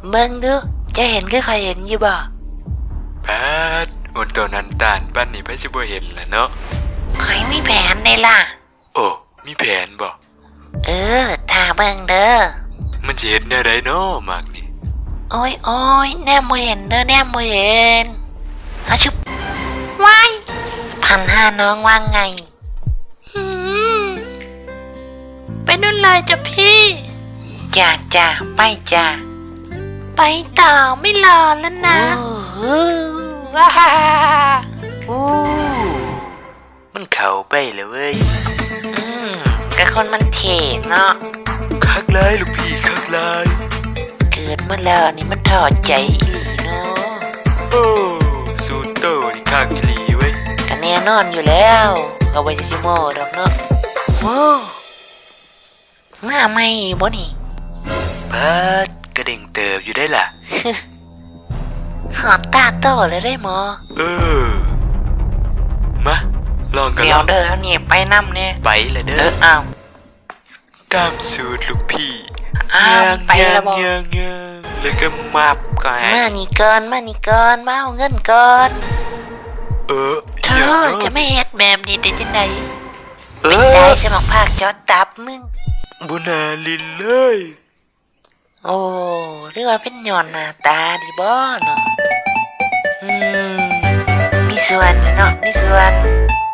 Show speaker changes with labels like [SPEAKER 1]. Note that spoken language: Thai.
[SPEAKER 1] เบิ่งดูจะเห็นคือใครเห็นอยู่บ่
[SPEAKER 2] ปาดอุ่นตัวนั้นตานปั้นนี่ไผสิบ่เห็นล่ะเนาะ
[SPEAKER 1] ข่อยมีแผนได้ล่ะ
[SPEAKER 2] โอ้มีแผนบ่
[SPEAKER 1] ถ้าเบิ่งเด้อ
[SPEAKER 2] มันสิเฮ็ดแนวใดเนาะมากนี่
[SPEAKER 1] โอ้ยแนมบ่เห็นเด้อแนมบ่เห็นอาชุบว้าย1,500น้องว่าไงไปนู่นเลยจ้ะพี่จ้าไปจ้าไปต่อไม่รอแล้วนะว้า
[SPEAKER 2] มันเข้าไปแล้วเว้ย
[SPEAKER 1] กะคนมันเท่เนาะ
[SPEAKER 2] คักหลายลูกพี่คักหลาย
[SPEAKER 1] เกิดมาแล้วนี่มันถอดใจอีหลีเนาะ
[SPEAKER 2] โอ้สูตรโตนี่คักอีหลีเว้ย
[SPEAKER 1] ก็แน่นอนอยู่แล้วเอาไว้จะซิโม่ดอกเนาะโอ้หน้าไม่บ่นี่
[SPEAKER 2] ปาดกระเด้งเติบอยู่ได้ล่ะ
[SPEAKER 1] หอดตาโตเลยได้หมอ
[SPEAKER 2] มาลองกัน
[SPEAKER 1] เดี๋ยวเด้อเอานี่ไปนำเนี่ย
[SPEAKER 2] ไปเลยเด้อ
[SPEAKER 1] อ้าว
[SPEAKER 2] ตามสูตรลูกพี่
[SPEAKER 1] ไปแล้วบ่
[SPEAKER 2] แล้วก็มับก่อน
[SPEAKER 1] มานี่ก่อนมาเอาเงินก่อนเธอจะไม่เฮ็ดแบบนี้ได้จังได๋ไม่ได้สมองภาคจอตับมึง
[SPEAKER 2] บุนาลินเลย
[SPEAKER 1] โอ้หรือว่าเป็นย้อนหน้าตาดีบ่เนาะมีส่วนเนาะมีส่วน